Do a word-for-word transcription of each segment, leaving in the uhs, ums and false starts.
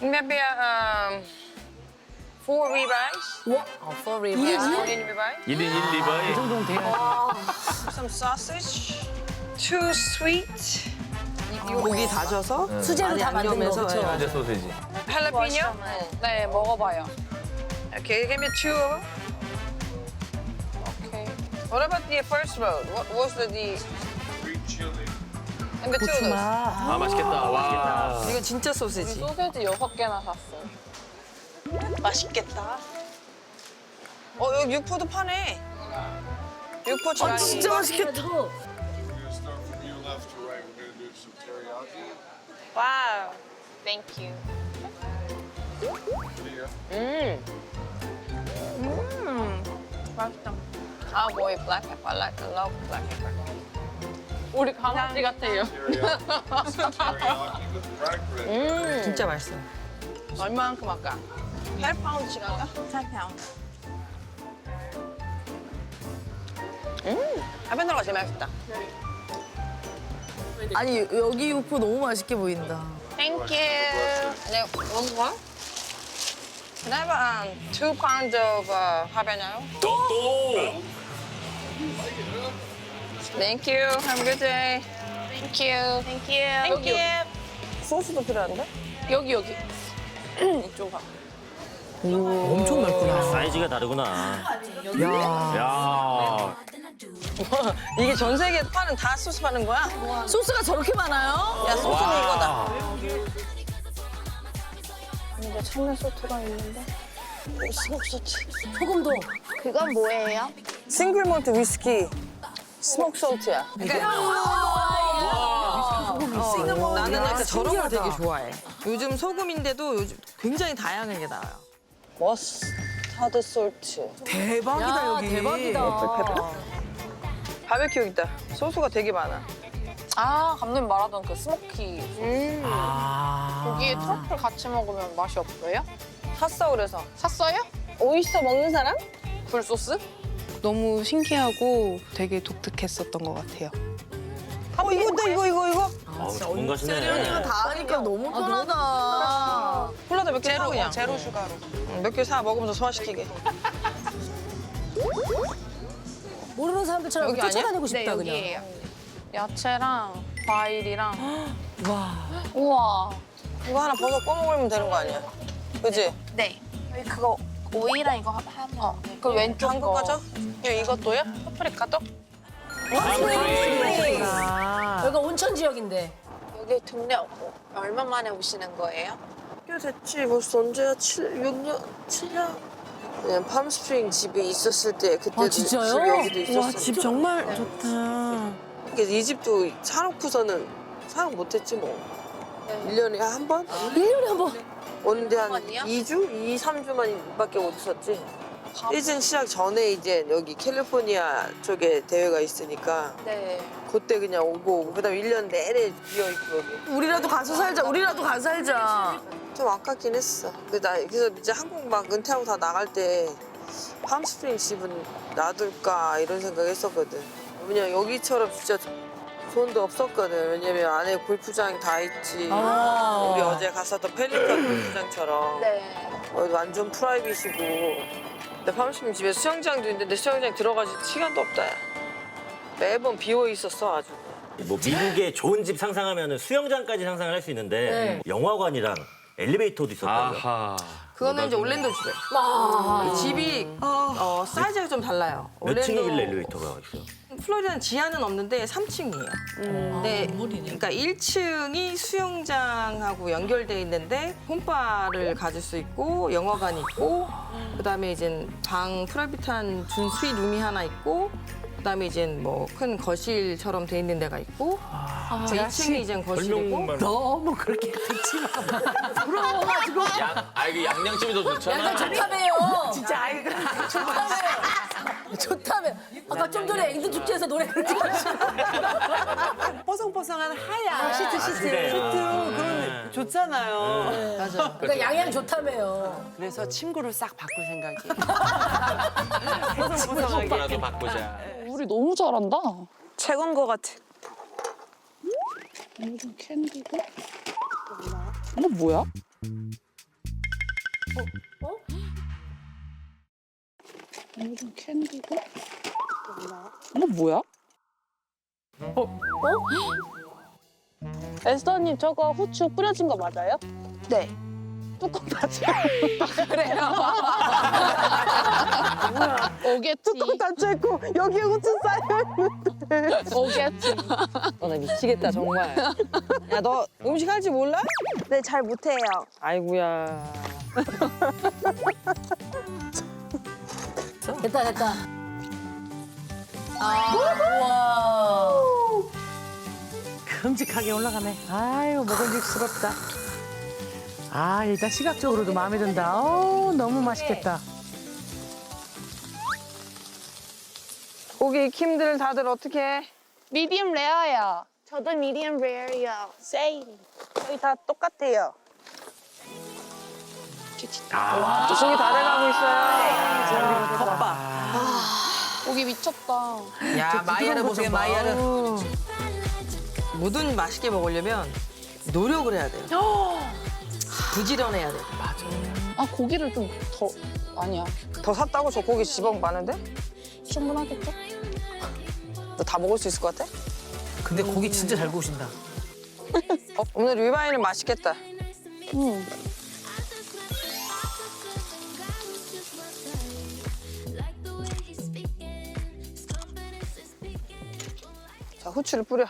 Maybe um, four ribeyes. 와, 어, for real. Four ribeyes. 일 인 일 리바이. 이 정도는 돼야지. Some sausage. Two sweet. 고기 다져서 수제로 다 만든 거, 양념해서, 그쵸? 현재 소세지. Jalapeno. 네, 먹어봐요. Okay, give me two of them. Okay. What about the first road? What was the the? Green chili. And the two of those. 아 맛있겠다. 와. 이거 진짜 소세지. 소세지 여섯 개나 샀어요. 맛있겠다. 어, 여기 육포도 파네. 육포 지라니. 진짜 맛있겠다. We're gonna start from your left to right. We're gonna do some teriyaki. 와우. Thank you. Here. 음. 음. 맛있다. 아, 뭐이 black pepper. I like, I love black pepper. 우리 강아지 같아요. Teriyaki. Some teriyaki with black bread. 음. 진짜 맛있어. 얼마만큼 할까? 팔 파운드씩 할까? 팔 파운드. 음. 하베너가 제일 맛있다. 아니, 여기 육포 너무 맛있게 보인다. Thank you. 네, one more. Can I have um, two pounds of uh, habanero? 또 또. Thank you. Have a good day. Thank you. Thank you. Thank you. 소스도 필요한데? 여기 여기. 이쪽 봐. 엄청 넓구나. 사이즈가 다르구나. 야. 야. 이게 전 세계에 파는 다 소스 파는 거야? 소스가 저렇게 많아요? 야, 소스는 이거다. 근데 참외 소스가 있는데. 스모크 소스. 소금도. 그건 뭐예요? 싱글 몰트 위스키. 스모크 소스야. 어, 나는 약간 저런 걸 되게 좋아해. 요즘 소금인데도 요즘 굉장히 다양하게 나와요. 머스타드 소스. 대박이다 야, 여기. 대박이다. 바베큐 여기 있다. 소스가 되게 많아. 아, 감독님 말하던 그 스모키. 음. 아. 고기에 트러플 같이 먹으면 맛이 없어요? 샀어 그래서. 샀어요? 오이스터 먹는 사람? 굴소스? 너무 신기하고 되게 독특했었던 것 같아요. 어 이거다 이거 이거 이거. 아, 전문가시네. 다 하니까 너무 편하다. 콜라도 몇 개 사 제로, 그냥. 어, 제로 슈가로. 몇 개 사 먹으면서 소화시키게. 모르는 사람들처럼 여기 쫓아다니고 네, 싶다, 그냥. 여기예요. 야채랑 과일이랑. 와. 우와. 이거 하나 버섯 꺼 먹으면 되는 거 아니야? 그지? 네. 여기 그거 오이랑 이거 하면 어, 그 왼쪽 한국 거. 가죠? 야 이것도요? 파프리카도? 여기가 온천 지역인데. 여기 동네 얼마 만에 오시는 거예요? 꽤 됐지 벌써 언제야? 칠, 육 년? 칠 년? 그냥 팜스프링 집에 있었을 때 그때도 아, 진짜요? 집 여기도 있었어. 와, 집 정말 좋다. 그래서 이 집도 사놓고서는 사용 못했지 뭐. 네. 일 년에 한 번? 일 년에 한 번. 오는데 한 번이요? 이 주? 이, 삼 주만밖에 못 있었지. 시즌 시작 전에 이제 여기 캘리포니아 쪽에 대회가 있으니까 네. 그때 그냥 오고 오고 그다음에 일 년 내내 비어있고 여기. 우리라도 가서 살자, 우리라도 가서 살자. 좀 아깝긴 했어. 그래서, 나, 그래서 이제 한국 막 은퇴하고 다 나갈 때 팜스프링 집은 놔둘까 이런 생각했었거든. 왜냐면 여기처럼 진짜 좋은 데 없었거든. 왜냐면 안에 골프장 다 있지. 아. 우리 어제 갔었던 펠리컨 골프장처럼 네. 어, 완전 프라이빗이고. 근데 팜스프링 집에 수영장도 있는데 수영장 들어가지 시간도 없다. 매번 비어 있었어 아주. 뭐 미국의 좋은 집 상상하면 수영장까지 상상을 할 수 있는데 네. 영화관이랑 엘리베이터도 있었다고요. 아하. 그거는 이제 올랜도 집에. 아. 집이 어, 사이즈가 좀 달라요. 몇 층이길래 엘리베이터가 있어요? 플로리다는 지하는 없는데 삼 층이에요. 네, 그러니까 일 층이 수영장하고 연결돼 있는데 홈바를 가질 수 있고 영화관이 있고 그다음에 이제 방 프라이빗한 준 스윗 룸이 하나 있고 그다음에 이제 뭐 큰 거실처럼 돼 있는 데가 있고 이 층이 이제 거실이고 너무 그렇게 듣지 마. 부러워가지고. 아 이게 양념집이 더 좋잖아. 양장 좋다며요. 진짜 아이가. 좋다며. 좋다며. 아까 좀 전에 앵두 축제에서 노래 그렇게 뽀송뽀송한 하얀 시트, 시트. 그래. 시트 아. 그런 좋잖아요. 맞아. 그러니까 양양 좋다며요. 그래서 침구를 싹 바꿀 생각이에요. 뽀송뽀송하게. 라도 바꾸자. 우리 너무 잘한다. 최고인 것 같아. 이거 캔디고. 이거 뭐야? 이건 캔디고? 이거 뭐야? 어? 에스더님 저거 후추 뿌려진 거 맞아요? 네. 뚜껑 닫혀. 그래요. 오겠지. 뚜껑 닫혀있고 여기에 후추 쌓여있는데. 오겠지. 어, 나 미치겠다 정말. 야 너 음식 할 줄 몰라? 네, 잘 못해요. 아이고야. 됐다 됐다. 아, 우와. 큼직하게 올라가네. 아유, 먹음직스럽다. 아, 일단 시각적으로도 마음에 든다. 어, 너무 맛있겠다. 고기 익힘들 다들 어떻게 해? 미디엄 레어요. 저도 미디엄 레어요. 세임. 저희 다 똑같아요. 고기 다 돼가고 있어요. 고기 미쳤다. 야 마이야를 보세요 마이야를. 뭐든 맛있게 먹으려면 노력을 해야 돼요. 부지런해야 돼요. 아 고기를 좀 더 아니야. 더 샀다고 저 고기 지방 많은데? 충분하겠죠? 너 다 먹을 수 있을 것 같아? 근데 고기 진짜 잘 구우신다. 어, 오늘 리바이는 맛있겠다. 응. 자 후추를 뿌려.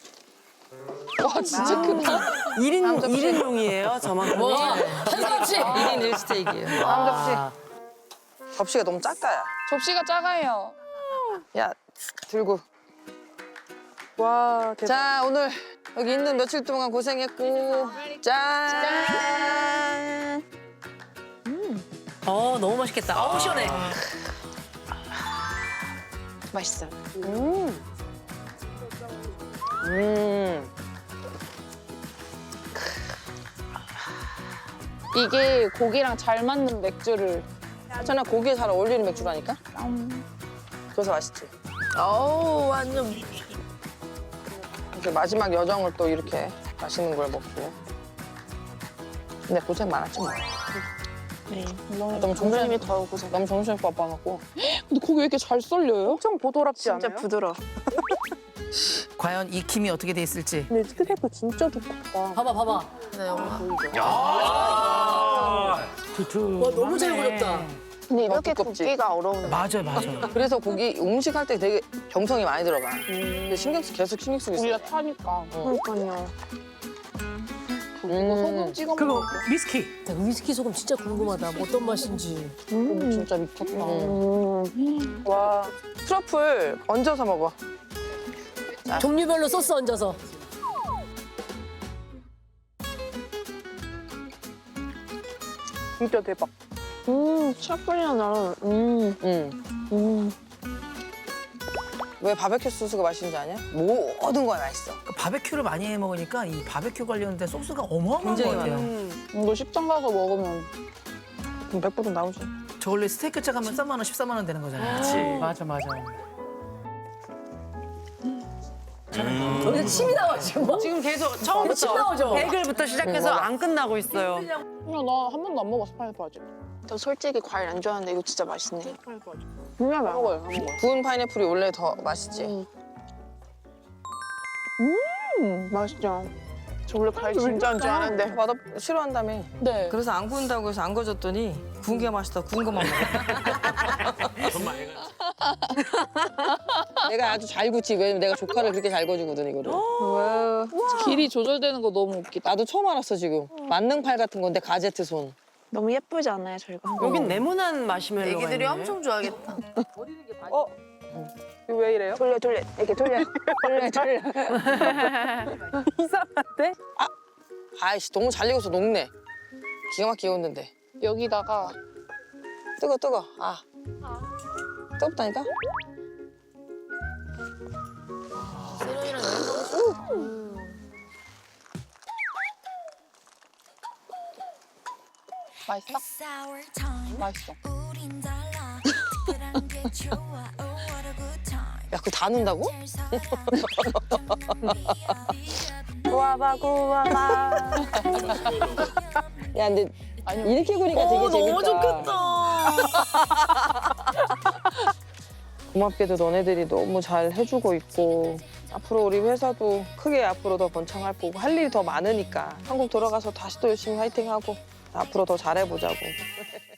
와 진짜 크다. 일 인, 일 인용이에요, 저만큼. 와, 한 사람씩. 일 인 일 스테이크예요. 다음 접시. 접시가 너무 작다 야. 접시가 작아요. 야 들고. 와 대박. 자 오늘 여기 있는 며칠 동안 고생했고 짠. 어, 너무 맛있겠다. 어우, 시원해. 맛있어요. 음. 음. 이게 고기랑 잘 맞는 맥주를. 전화 고기에 잘 어울리는 맥주라니까. 그래서 맛있지. 어우, 완전. 이렇게 마지막 여정을 또 이렇게 맛있는 걸 먹고. 근데 고생 많았지 뭐. 네. 너무 정신이 더 고생. 너무 정신이 바빠갖고. 근데 고기 왜 이렇게 잘 썰려요? 엄청 보드랍지 진짜 부드러워. 과연 익힘이 어떻게 돼 있을지. 근데 스테이크 진짜 두껍다. 봐봐, 봐봐. 두툼. 와, 너무 잘 그렸다. 근데 이렇게 두껍지? 굽기가 어려운데. 맞아요, 맞아요. 그래서 고기 음식 할 때 되게 정성이 많이 들어가. 근데 신경 쓰 계속 신경 쓰고 있어. 우리가 타니까. 그러니까요. 이거 소금 찍어 그리고 먹어. 미스키. 나 위스키 소금 진짜 궁금하다. 어떤 맛인지. 고기 진짜 미쳤다. 와 트러플 얹어서 먹어. 종류별로 소스 얹어서. 진짜 대박. 음, 트러플이랑 나랑, 음, 응. 음. 왜 바베큐 소스가 맛있는지 아냐? 모든 거에 맛있어. 그 바베큐를 많이 해 먹으니까 이 바베큐 관련된 소스가 어마어마한 것 굉장히 같아요. 이거 식당 가서 먹으면 그럼 백 불은 나오지. 저 원래 스테이크 짝 하면 삼만 원, 십삼만 원 되는 거잖아요. 그렇지. 맞아, 맞아. 여기서 침이 나와, 지금. 지금 계속 침 처음부터 나오죠? 베이글부터 시작해서 안 끝나고 있어요. 그냥 나 한 번도 안 먹어봤어 파인애플 아직. 저 솔직히 과일 안 좋아하는데 이거 진짜 맛있네. 파인애플 아직. 정말 맛 먹어요, 안 먹어요. 구운 파인애플이 원래 더 맛있지. 음, 맛있죠. 저 원래 과일 진짜 안 좋아하는데. 맛없 싫어한다며. 네. 그래서 안 구운다고 해서 안 거졌더니 구운 게 맛있다 구운 것만 먹어. 내가 아주 잘 구지. 왜냐면 내가 조카를 그렇게 잘 거주거든 이거를. 길이 조절되는 거 너무 웃기다. 나도 처음 알았어 지금. 만능팔 같은 건데 가제트 손. 너무 예쁘지 않아요, 저희가? 여긴 네모난 마시멜로가 애기들이 있네. 엄청 좋아하겠다. 어? 이거 왜 이래요? 돌려, 돌려. 이렇게 돌려. 돌려, 돌려. 이상한데? 아, 아이씨 너무 잘 익어서 녹네. 기가 막히게 익었는데. 여기다가 뜨거 뜨거. 아. 뜨겁다니까? 세련이랑 여행 맛있어? 맛있어. 야 그거 다 넣는다고? 구워봐, 구워봐. 야 근데 이렇게 보니까 되게 어, 재밌다. 너무 좋겠다. 고맙게도 너네들이 너무 잘 해주고 있고 앞으로 우리 회사도 크게 앞으로 더 번창할 거고 할 일이 더 많으니까 한국 돌아가서 다시 또 열심히 화이팅하고 앞으로 더 잘해보자고.